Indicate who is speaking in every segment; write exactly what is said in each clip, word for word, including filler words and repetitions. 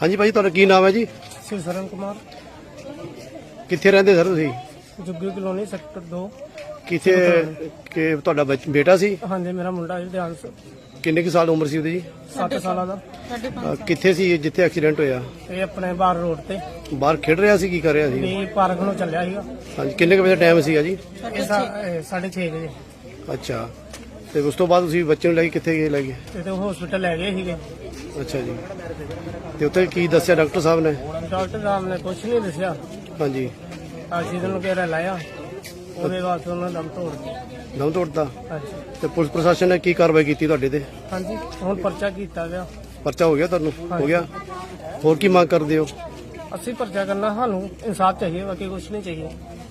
Speaker 1: हाँ जी भाई, तुहाडा की नाम है जी?
Speaker 2: सरन कुमार।
Speaker 1: कित्थे रहंदे सर तुसीं?
Speaker 2: जुग्गी कलोनी सैक्टर दो।
Speaker 1: कित्थे कि तुहाडा बच- बेटा सी?
Speaker 2: हाँ जी, मेरा मुंडा जी ध्यान से
Speaker 1: किन्ने की साल उम्र सी ओहदी जी?
Speaker 2: सत्त साल का।
Speaker 1: अ, कित्थे सी जिथे एक्सीडेंट होया?
Speaker 2: ये अपने बाहर रोड ते
Speaker 1: बाहर खेड रहा सी? की कर रहा सी?
Speaker 2: भी पार्क ਨੂੰ ਚੱਲਿਆ ਸੀਗਾ।
Speaker 1: हाँ जी, किन्ने के बजे टाइम सी जी?
Speaker 2: ਇਹ ਸਾਢੇ ਛੇ ਵਜੇ
Speaker 1: अच्छा, ਤੇ ਉਸ ਤੋਂ ਬਾਅਦ ਤੁਸੀਂ ਬੱਚੇ ਨੂੰ ਲੈ ਕੇ ਕਿੱਥੇ ਗਏ ਲੈ ਗਏ?
Speaker 2: ਤੇ ਹਸਪੀਟਲ ਲੈ ਗਏ ਸੀਗੇ।
Speaker 1: ਅੱਛਾ ਜੀ, ਤੇ ਉੱਥੇ ਕੀ ਦੱਸਿਆ ਡਾਕਟਰ ਸਾਹਿਬ ਨੇ?
Speaker 2: ਡਾਕਟਰ ਸਾਹਿਬ ਨੇ ਕੁਝ ਨਹੀਂ ਦੱਸਿਆ।
Speaker 1: ਹਾਂਜੀ,
Speaker 2: ਆਕਸੀਜਨ ਵਗੈਰਾ ਲਾਇਆ, ਉਹਦੇ ਬਾਅਦ ਉਹਨਾਂ ਦਮ ਤੋੜ ਦਿੱਤਾ।
Speaker 1: ਦਮ ਤੋੜਤਾ?
Speaker 2: ਹਾਂਜੀ
Speaker 1: ਤੇ ਪੁਲਿਸ ਪ੍ਰਸ਼ਾਸਨ ਨੇ ਕੀ ਕਾਰਵਾਈ ਕੀਤੀ ਤੁਹਾਡੇ ਤੇ?
Speaker 2: ਹਾਂਜੀ, ਹੁਣ ਪਰਚਾ ਕੀਤਾ ਗਿਆ।
Speaker 1: ਪਰਚਾ ਹੋ ਗਿਆ ਤੁਹਾਨੂੰ? ਹੋ ਗਿਆ। ਹੋਰ ਕੀ ਮੰਗ ਕਰਦੇ ਹੋ?
Speaker 2: ਅਸੀਂ ਪਰਚਾ ਕਰਨਾ, ਸਾਨੂੰ ਇਨਸਾਫ ਚਾਹੀਏ, ਬਾਕੀ ਕੁਝ ਨਹੀਂ ਚਾਹੀਏ।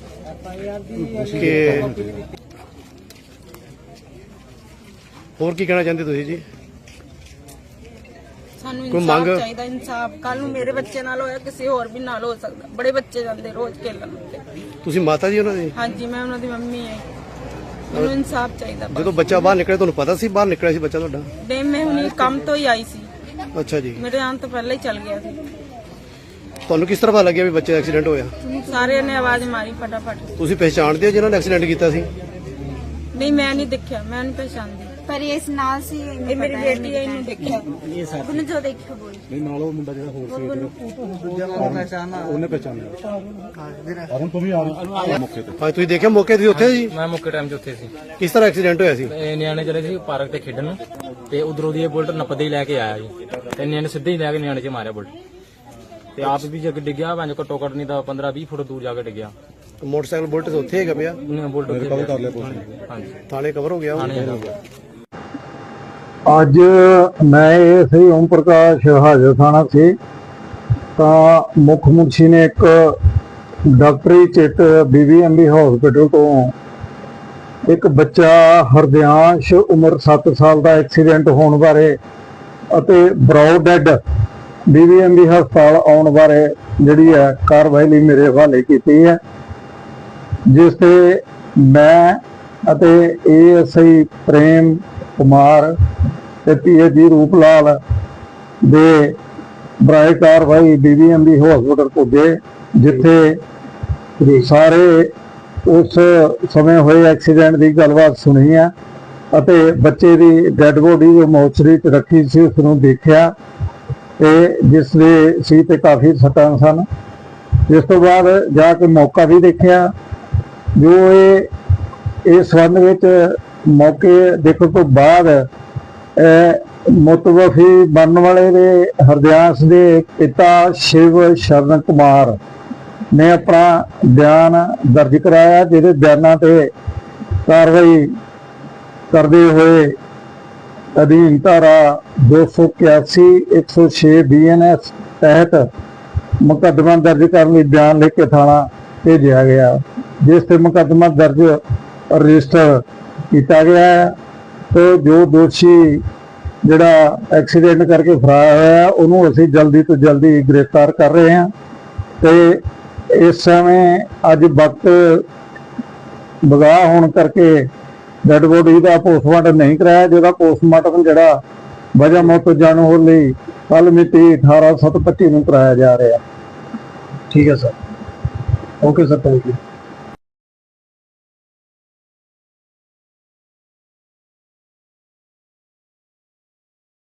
Speaker 1: ਕਿ ਹੋਰ ਕੀ ਕਹਿਣਾ ਚਾਹੁੰਦੇ ਤੁਸੀਂ ਜੀ?
Speaker 3: ਸਾਨੂੰ
Speaker 1: ਕੋਈ
Speaker 3: ਇਨਸਾਫ
Speaker 1: ਮੰਗ-
Speaker 3: ਚਾਹੀਦਾ। ਇਨਸਾਫ ਕੱਲ ਨੂੰ ਮੇਰੇ ਬੱਚੇ ਨਾਲ ਹੋਇਆ, ਕਿਸੇ ਹੋਰ ਵੀ ਨਾਲ ਹੋ ਸਕਦਾ। ਬੜੇ ਬੱਚੇ ਜਾਂਦੇ ਰੋਜ਼ ਖੇਲਣ ਉੱਤੇ।
Speaker 1: ਤੁਸੀਂ ਮਾਤਾ ਜੀ ਉਹਨਾਂ ਦੀ?
Speaker 3: ਹਾਂਜੀ, ਮੈਂ ਉਹਨਾਂ ਦੀ ਮੰਮੀ ਹਾਂ। ਮੈਨੂੰ ਇਨਸਾਫ ਚਾਹੀਦਾ ਬਸ।
Speaker 1: ਜਦੋਂ ਬੱਚਾ ਬਾਹਰ ਨਿਕਲਿਆ ਤੁਹਾਨੂੰ ਪਤਾ ਸੀ ਬਾਹਰ ਨਿਕਲਿਆ ਸੀ ਬੱਚਾ ਤੁਹਾਡਾ?
Speaker 3: ਨਹੀਂ, ਮੈਂ ਹੁਣੀ ਕੰਮ ਤੋਂ ਹੀ ਆਈ ਸੀ।
Speaker 1: ਅੱਛਾ ਜੀ,
Speaker 3: ਮੇਰੇ ਆਉਣ ਤੋਂ ਪਹਿਲਾਂ ਹੀ ਚੱਲ ਗਿਆ ਸੀ।
Speaker 1: ਤੁਹਾਨੂੰ ਕਿਸ ਤਰ੍ਹਾਂ ਪਤਾ ਲੱਗਿਆ ਵੀ ਬੱਚੇ ਦਾ ਐਕਸੀਡੈਂਟ ਹੋਇਆ?
Speaker 3: ਸਾਰਿਆਂ ਨੇ ਆਵਾਜ਼ ਮਾਰੀ ਫਟਾਫਟ।
Speaker 1: ਤੁਸੀਂ ਪਹਿਚਾਣਦੇ ਹੋ ਜਿਨ੍ਹਾਂ ਨੇ ਐਕਸੀਡੈਂਟ ਕੀਤਾ ਸੀ?
Speaker 3: ਨਹੀਂ, ਮੈਂ ਨਹੀਂ ਦੇਖਿਆ, ਮੈਂ ਨਹੀਂ ਪਛਾਣਦੀ।
Speaker 4: ਪਰ ਇਸ ਨਾਲ ਸੀ
Speaker 3: ਇਹ ਮੇਰੀ ਬੇਟੀ ਹੈ, ਇਹਨੂੰ ਦੇਖਿਆ।
Speaker 4: ਉਹਨੂੰ ਜੋ ਦੇਖਿਆ ਬੋਲ
Speaker 5: ਨਹੀਂ ਨਾਲ ਉਹ ਮੁੰਡਾ ਜਿਹੜਾ ਹੋਰ ਸੀ ਉਹਨੇ ਪਹਿਚਾਨਿਆ। ਹੁਣ ਤੂੰ ਵੀ ਆ ਮੌਕੇ ਤੇ?
Speaker 1: ਹਾਂ, ਤੁਸੀਂ ਦੇਖਿਆ ਮੌਕੇ ਤੇ ਉੱਥੇ ਜੀ?
Speaker 6: ਮੈਂ ਮੌਕੇ ਟਾਈਮ 'ਤੇ ਉੱਥੇ ਸੀ।
Speaker 1: ਕਿਸ ਤਰ੍ਹਾਂ ਐਕਸੀਡੈਂਟ ਹੋਇਆ ਸੀ?
Speaker 6: ਇਹ ਨਿਆਣੇ ਚਲੇ ਸੀ ਪਾਰਕ ਤੇ ਖੇਡਣ ਨੂੰ, ਤੇ ਉਧਰੋਂ ਦੀ ਇਹ ਬੁਲਟ ਨੱਪਦੇ ਹੀ ਲੈ ਕੇ ਆਇਆ ਜੀ, ਤੇ ਨਿਆਣੇ ਸਿੱਧੇ ਹੀ ਲੈ ਕੇ ਨਿਆਣੇ 'ਚ ਮਾਰਿਆ ਬੁਲਟ, ਤੇ ਆਪ ਵੀ ਜਗ ਡਿੱਗਿਆ। ਭਾਵੇਂ ਘੱਟੋ ਘੱਟ ਨਹੀਂ ਤਾਂ ਪੰਦਰਾਂ ਵੀਹ ਫੁੱਟ ਦੂਰ ਜਾ ਕੇ ਡਿੱਗਿਆ।
Speaker 1: ਮੋਟਰਸਾਈਕਲ ਬੁਲਟ ਉੱਥੇ ਹੈਗਾ ਪਿਆ?
Speaker 6: ਉਹਨੇ ਬੁਲਟ ਉੱਥੇ
Speaker 5: ਕਵਰ ਕਰ ਲਿਆ ਪੁਲਿਸ ਨੇ?
Speaker 6: ਹਾਂਜੀ,
Speaker 1: ਥਾਣੇ ਕਵਰ ਹੋ ਗਿਆ ਉਹ?
Speaker 6: ਥਾਣੇ ਹੈਗਾ ਗਿਆ।
Speaker 7: ਅੱਜ ਮੈਂ ਇਹ ਸੀ ਓਮ ਪ੍ਰਕਾਸ਼ ਹਾਜ਼ਰ ਥਾਣਾ ਸੀ, ਤਾਂ ਮੁੱਖ ਮੁਨਸ਼ੀ ਨੇ ਇੱਕ ਡਾਕਟਰੀ ਚਿੱਟ ਬੀਬੀਐਮਬੀ ਹਸਪੀਟਲ ਤੋਂ ਇੱਕ ਬੱਚਾ ਹਰਦਿਆਂਸ਼ ਉਮਰ ਸੱਤ ਸਾਲ ਦਾ ਐਕਸੀਡੈਂਟ ਹੋਣ ਬਾਰੇ ਅਤੇ ਬਰਾਊਡ ਡੈਡ ਬੀਬੀਐਮਬੀ ਹਸਪਤਾਲ ਆਉਣ ਬਾਰੇ ਜਿਹੜੀ ਹੈ ਕਾਰਵਾਈ ਲਈ ਮੇਰੇ ਹਵਾਲੇ ਕੀਤੀ ਹੈ, ਜਿਸ ਤੇ ਮੈਂ ਅਤੇ ਏਐਸਆਈ ਪ੍ਰੇਮ ਕੁਮਾਰ ਤੇ ਪੀਏਜੀ ਰੂਪ ਲਾਲ ਦੇ ਬਰਾਏ ਕਾਰਵਾਈ ਬੀਬੀਐਮਬੀ ਹਸਪਤਾਲ ਪੁੱਜੇ, ਜਿੱਥੇ ਸਾਰੇ ਉਸ ਸਮੇਂ ਹੋਏ ਐਕਸੀਡੈਂਟ ਦੀ ਗੱਲਬਾਤ ਸੁਣੀ ਹੈ ਅਤੇ ਬੱਚੇ ਦੀ ਡੈੱਡ ਬੋਡੀ ਜੋ ਮੋਰਚਰੀ 'ਚ ਰੱਖੀ ਸੀ ਉਸ ਨੂੰ ਦੇਖਿਆ, ਤੇ ਜਿਸ ਦੇ ਸੀ ਤੇ ਕਾਫੀ ਸੱਟਾਂ ਸਨ। ਇਸ ਤੋਂ ਬਾਅਦ ਜਾ ਕੇ ਮੌਕਾ ਵੀ ਦੇਖਿਆ, ਜੋ ਇਹ ਇਸ ਸੰਬੰਧ ਵਿੱਚ ਮੌਕੇ ਦੇਖਣ ਤੋਂ ਬਾਅਦ ਮੁਤਵਫੀ ਬਣਨ ਵਾਲੇ ਦੇ ਹਰਦਿਆਂਸ਼ ਦੇ ਪਿਤਾ ਸ਼ਿਵ ਸ਼ਰਨ ਕੁਮਾਰ ਨੇ ਆਪਣਾ ਬਿਆਨ ਦਰਜ ਕਰਾਇਆ, ਜਿਹਦੇ ਬਿਆਨਾਂ ਤੇ ਕਾਰਵਾਈ ਕਰਦੇ ਹੋਏ ਅਧੀਨ ਧਾਰਾ ਦੋ ਸੌ ਇਕਿਆਸੀ ਇੱਕ ਸੌ ਛੇ ਬੀ ਐਨ ਐਸ ਤਹਿਤ ਮੁਕੱਦਮਾ ਦਰਜ ਕਰਨ ਲਈ ਬਿਆਨ ਲਿਖ ਕੇ ਥਾਣਾ ਭੇਜਿਆ ਗਿਆ, ਜਿਸ ਤੇ ਮੁਕੱਦਮਾ ਦਰਜ ਰਜਿਸਟਰ ਕੀਤਾ ਗਿਆ ਹੈ। ਤੇ ਜੋ ਦੋਸ਼ੀ ਜਿਹੜਾ ਐਕਸੀਡੈਂਟ ਕਰਕੇ ਫਰਾਰ ਹੋਇਆ ਉਹਨੂੰ ਅਸੀਂ ਜਲਦੀ ਤੋਂ ਜਲਦੀ ਗ੍ਰਿਫਤਾਰ ਕਰ ਰਹੇ ਹਾਂ, ਤੇ ਇਸ ਸਮੇਂ ਅੱਜ ਵਕਤ ਬਗਾਹ ਹੋਣ ਕਰਕੇ ਡੈਡ ਬੋਡੀ ਦਾ ਪੋਸਟਮਾਰਟਮ ਨਹੀਂ ਕਰਾਇਆ, ਜਿਹਦਾ ਪੋਸਟਮਾਰਟਮ ਜਿਹੜਾ ਵਜ੍ਹਾ ਮੌਤ ਜਾਣੂ ਹੋਣ ਲਈ ਕੱਲ ਮਿਤੀ ਅਠਾਰਾਂ ਸੱਤ ਪੱਚੀ ਨੂੰ ਕਰਾਇਆ ਜਾ ਰਿਹਾ। ਠੀਕ ਹੈ sir, okay sir, thank you.